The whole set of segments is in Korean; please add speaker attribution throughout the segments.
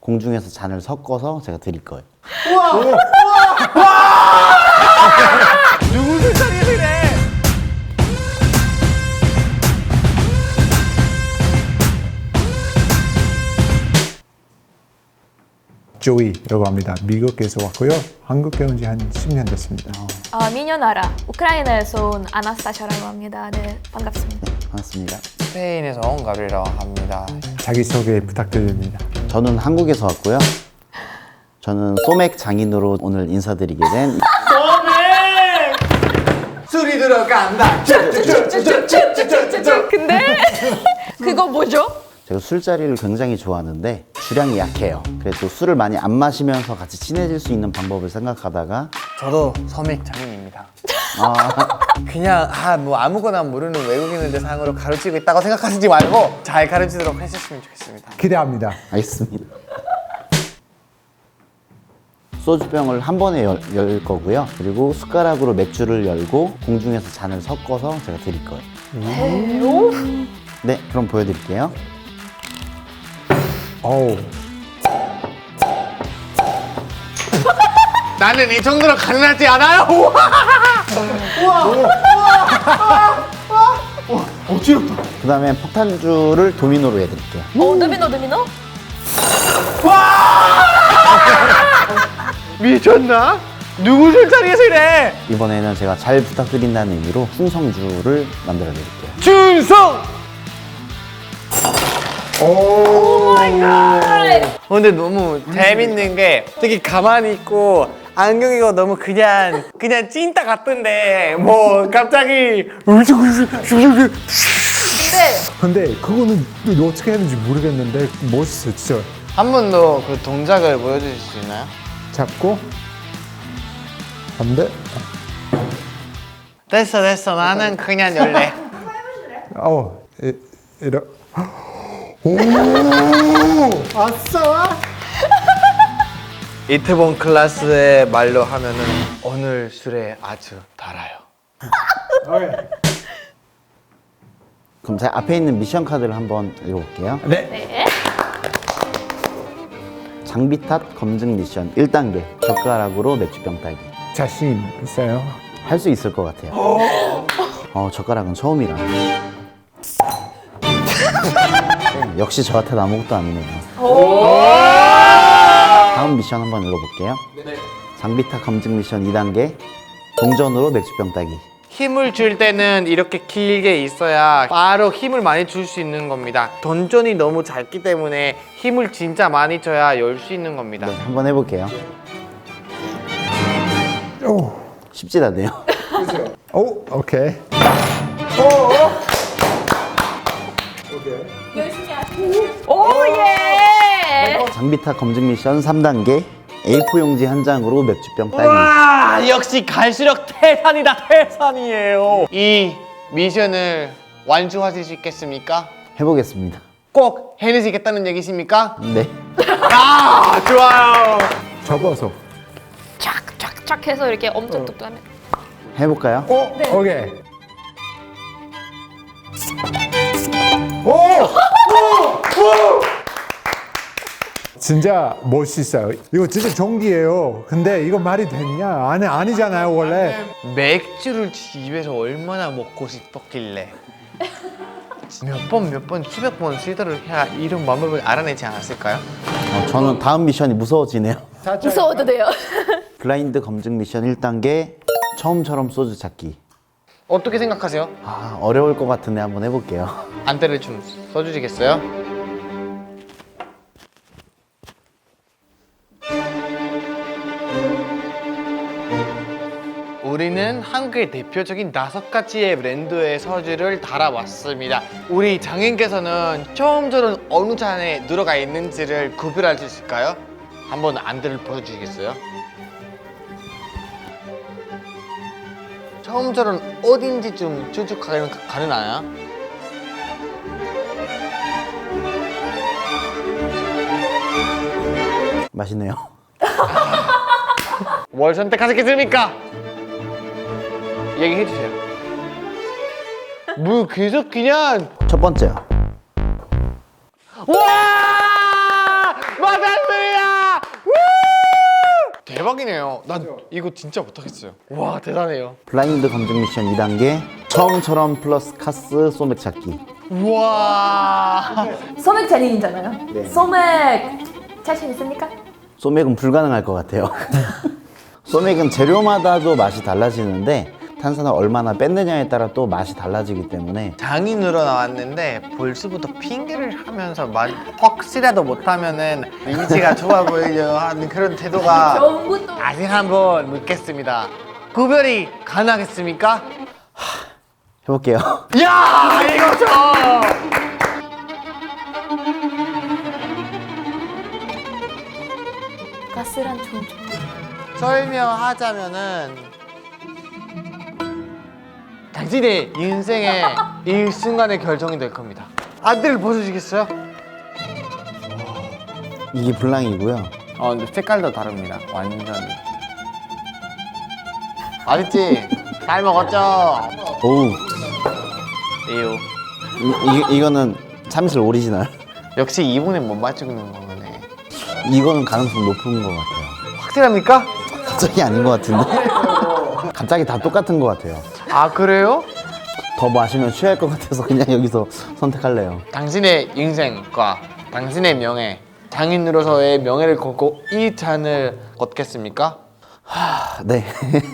Speaker 1: 공중에서 잔을 섞어서 제가 드릴 거예요.
Speaker 2: 누구 술자리에서 이래?
Speaker 3: 조이라고 합니다. 미국에서 왔고요. 한국에 온 지 한 10년 됐습니다.
Speaker 4: 미녀나라 우크라이나에서 온 아나스타샤라고 합니다. 네, 반갑습니다.
Speaker 1: 반갑습니다.
Speaker 2: 스페인에서 온 가bri라고 합니다.
Speaker 3: 자기소개 부탁드립니다.
Speaker 1: 저는 한국에서 왔고요. 저는 소맥 장인으로 오늘 인사드리게 된
Speaker 2: 술이 들어간다.
Speaker 4: 근데 그거 뭐죠?
Speaker 1: 제가 술자리를 굉장히 좋아하는데 주량이 약해요. 그래서 술을 많이 안 마시면서 같이 친해질 수 있는 방법을 생각하다가
Speaker 2: 저도 서맥 장인입니다. 그냥 뭐 아무거나 모르는 외국인들 상으로 가르치고 있다고 생각하시지 말고 잘 가르치도록 하셨으면 좋겠습니다.
Speaker 3: 기대합니다.
Speaker 1: 알겠습니다. 소주병을 한 번에 열 거고요. 그리고 숟가락으로 맥주를 열고 공중에서 잔을 섞어서 제가 드릴 거예요. 네, 그럼 보여드릴게요.
Speaker 3: 어우,
Speaker 2: 나는 이 정도로 가능하지 않아요.
Speaker 1: 그 다음에 폭탄주를 도미노로 해드릴게요.
Speaker 4: 도미노?
Speaker 2: 미쳤나? 누구 술자리에서 이래?
Speaker 1: 이번에는 제가 잘 부탁드린다는 의미로 충성주를 만들어 드릴게요.
Speaker 2: 준성! 근데 너무 재밌는 게 되게 가만히 있고 안경이가 너무 그냥 찐따 같던데 뭐 갑자기
Speaker 3: 근데 그거는 어떻게 하는지 모르겠는데 멋있어, 진짜.
Speaker 2: 한 번 더 그 동작을 보여주실 수 있나요?
Speaker 3: 잡고 안 돼?
Speaker 2: 됐어 나는 그냥 열래.
Speaker 3: 이러. 오, 아싸!
Speaker 2: 이태원 클래스의 말로 하면은 오늘 술에 아주 달아요.
Speaker 1: 그럼 제가 앞에 있는 미션 카드를 한번 읽어볼게요.
Speaker 3: 네.
Speaker 4: 네.
Speaker 1: 장비 탓 검증 미션 1단계 젓가락으로 맥주병 따기.
Speaker 3: 자신 있어요?
Speaker 1: 할 수 있을 것 같아요. 젓가락은 처음이라. 역시 저한테는 아무것도 아니네요. 다음 미션 한번 읽어볼게요. 장비 탓 검증 미션 2단계 동전으로 맥주병 따기.
Speaker 2: 힘을 줄 때는 이렇게 길게 있어야 바로 힘을 많이 줄 수 있는 겁니다. 동전이 너무 작기 때문에 힘을 진짜 많이 줘야 열 수 있는 겁니다.
Speaker 1: 네, 한번 해볼게요.
Speaker 3: 오,
Speaker 1: 쉽지 않네요.
Speaker 3: 오, 오케이.
Speaker 4: 오 예.
Speaker 1: 장비 탓 검증 미션 3단계 A4 용지 한 장으로 맥주병 따기.
Speaker 2: 와, 역시 갈수록 태산이다, 태산이에요. 이 미션을 완수하실 수 있겠습니까?
Speaker 1: 해보겠습니다.
Speaker 2: 꼭 해내시겠다는 얘기십니까?
Speaker 1: 네.
Speaker 2: 아, 좋아요.
Speaker 3: 접어서.
Speaker 4: 촥촥촥 해서 이렇게 엄청 뚝뚝하면.
Speaker 1: 해볼까요?
Speaker 3: 오케이. 진짜 멋있어요. 이거 진짜 종기예요. 근데 이거 말이 됐냐? 아니잖아요, 원래.
Speaker 2: 맥주를 집에서 얼마나 먹고 싶었길래 몇 번, 수백 번 시도를 해야 이런 방법을 알아내지 않았을까요?
Speaker 1: 저는 다음 미션이 무서워지네요.
Speaker 4: 무서워도 돼요.
Speaker 1: 블라인드 검증 미션 1단계 처음처럼 소주 찾기.
Speaker 2: 어떻게 생각하세요?
Speaker 1: 어려울 것 같은데 한번 해볼게요.
Speaker 2: 안대를 좀 써주시겠어요? 우리는 한국의 대표적인 5가지의 브랜드의 서주를 달아왔습니다. 우리 장인께서는 처음처럼 어느 잔에 들어가 있는지를 구별할 수 있을까요? 한번 안대를 보여주시겠어요? 처음처럼 어딘지 좀 추측하기는 가능하나요?
Speaker 1: 맛있네요.
Speaker 2: 뭘 선택하셨겠습니까? 얘기해 주세요. 뭐 계속 그냥
Speaker 1: 첫 번째요.
Speaker 2: 와! 맞았네! 대박이네요. 난 이거 진짜 못하겠어요. 와 대단해요.
Speaker 1: 블라인드 검증 미션 2단계 처음처럼 플러스 카스 소맥 찾기.
Speaker 2: 우와.
Speaker 4: 소맥 잔인이잖아요.
Speaker 1: 네.
Speaker 4: 소맥 자신 있습니까?
Speaker 1: 소맥은 불가능할 것 같아요. 소맥은 재료마다도 맛이 달라지는데 탄산을 얼마나 뺐느냐에 따라 또 맛이 달라지기 때문에
Speaker 2: 장인으로 나왔는데 벌써부터 핑계를 하면서 확실하도 못하면은 이미지가 좋아 보이려 하는 그런 태도가
Speaker 4: 처음부터
Speaker 2: 아직 한번 묻겠습니다. 구별이 가능하겠습니까?
Speaker 1: 해볼게요.
Speaker 2: 야 이거죠.
Speaker 4: 가스란 좀
Speaker 2: 설명하자면은 당신의 인생의 이 순간의 결정이 될 겁니다. 안대를 벗으시겠어요?
Speaker 1: 이게 블랑이고요.
Speaker 2: 근데 색깔도 다릅니다. 완전히. 맛있지? 잘 먹었죠?
Speaker 1: 오우,
Speaker 2: 이유.
Speaker 1: 이거는 참이슬 오리지널.
Speaker 2: 역시 이분은 못 맞추는 거네.
Speaker 1: 이거는 가능성 높은 것 같아요.
Speaker 2: 확실합니까?
Speaker 1: 갑자기 아닌 것 같은데? 갑자기 다 똑같은 것 같아요.
Speaker 2: 아 그래요?
Speaker 1: 더 마시면 취할 것 같아서 그냥 여기서 선택할래요.
Speaker 2: 당신의 인생과 당신의 명예, 장인으로서의 명예를 걸고 이 잔을 걷겠습니까?
Speaker 1: 네.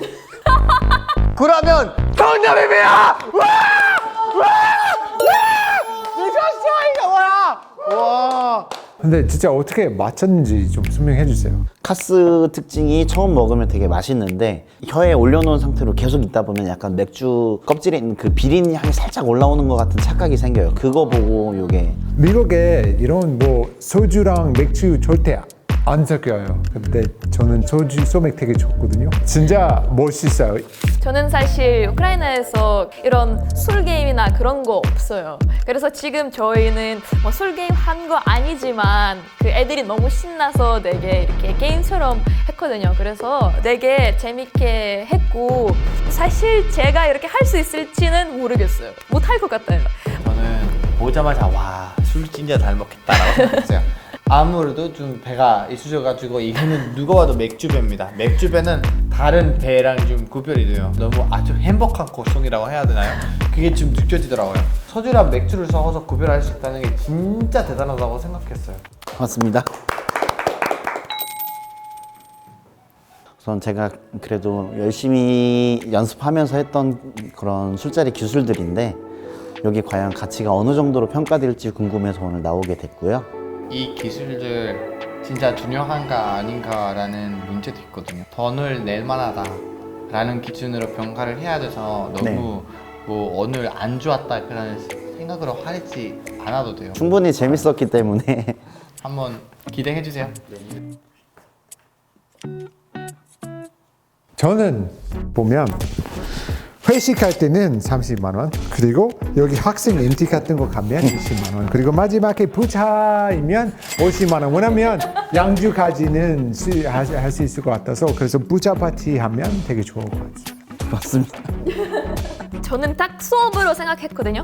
Speaker 2: 그러면 정답입니다! 와! 와! 와! 미쳤어 이거 뭐야? 와!
Speaker 3: 근데 진짜 어떻게 맞췄는지 좀 설명해 주세요.
Speaker 1: 카스 특징이 처음 먹으면 되게 맛있는데 혀에 올려놓은 상태로 계속 있다 보면 약간 맥주 껍질에 있는 그 비린 향이 살짝 올라오는 것 같은 착각이 생겨요. 그거 보고 요게
Speaker 3: 미국에 이런 뭐 소주랑 맥주 절대 안 섞여요. 근데 저는 소주 소맥 되게 좋거든요. 진짜 멋있어요.
Speaker 4: 저는 사실 우크라이나에서 이런 술 게임이나 그런 거 없어요. 그래서 지금 저희는 뭐 술 게임 한 거 아니지만 그 애들이 너무 신나서 되게 이렇게 게임처럼 했거든요. 그래서 되게 재밌게 했고 사실 제가 이렇게 할 수 있을지는 모르겠어요. 못 할 것 같아요.
Speaker 2: 저는 보자마자 와, 술 진짜 잘 먹겠다라고 생각했어요. 아무래도 좀 배가 있으셔가지고 이거는 누가 봐도 맥주배입니다. 맥주배는 다른 배랑 좀 구별이 돼요. 너무 아주 행복한 고통이라고 해야 되나요? 그게 좀 느껴지더라고요. 소주랑 맥주를 섞어서 구별할 수 있다는 게 진짜 대단하다고 생각했어요.
Speaker 1: 맞습니다. 우선 제가 그래도 열심히 연습하면서 했던 그런 술자리 기술들인데 여기 과연 가치가 어느 정도로 평가될지 궁금해서 오늘 나오게 됐고요.
Speaker 2: 이 기술들 진짜 중요한가 아닌가라는 문제도 있거든요. 돈을 낼 만하다 라는 기준으로 평가를 해야 돼서 너무
Speaker 1: 네.
Speaker 2: 뭐 오늘 안 좋았다 그런 생각으로 하지 않아도 돼요.
Speaker 1: 충분히 재밌었기 때문에
Speaker 2: 한번 기대해 주세요.
Speaker 3: 저는 보면 회식할 때는 30만 원, 그리고 여기 학생 MT 같은 거 가면 20만 원, 그리고 마지막에 부차이면 50만 원. 왜냐면 양주까지는 할 수 있을 것 같아서 그래서 부차 파티 하면 되게 좋을 것 같아요.
Speaker 1: 맞습니다.
Speaker 4: 저는 딱 수업으로 생각했거든요.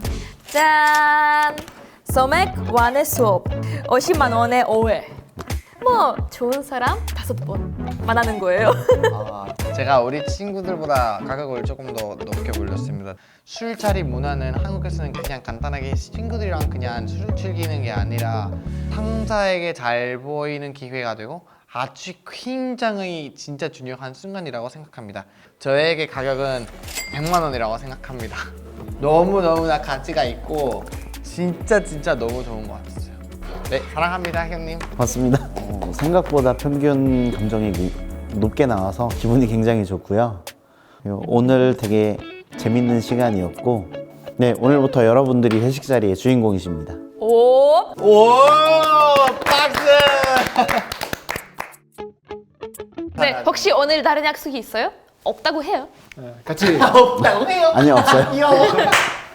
Speaker 4: 짠! 소맥 완의 수업 50만 원의 5회. 뭐 좋은 사람 5번 만나는 거예요.
Speaker 2: 제가 우리 친구들보다 가격을 조금 더 높게 올렸습니다. 술자리 문화는 한국에서는 그냥 간단하게 친구들이랑 그냥 술을 즐기는 게 아니라 상사에게 잘 보이는 기회가 되고 아주 굉장히 진짜 중요한 순간이라고 생각합니다. 저에게 가격은 100만 원이라고 생각합니다. 너무너무나 가치가 있고 진짜 너무 좋은 것 같았어요. 네, 사랑합니다 형님.
Speaker 1: 맞습니다. 생각보다 평균 감정이 높게 나와서 기분이 굉장히 좋고요. 그리고 오늘 되게 재밌는 시간이었고 네, 오늘부터 여러분들이 회식 자리의 주인공이십니다.
Speaker 4: 오!
Speaker 2: 오 박수!
Speaker 4: 네, 혹시 오늘 다른 약속이 있어요? 없다고 해요.
Speaker 3: 같이
Speaker 2: 없다고 해요.
Speaker 1: 아니요, 없어요.
Speaker 2: 귀여워.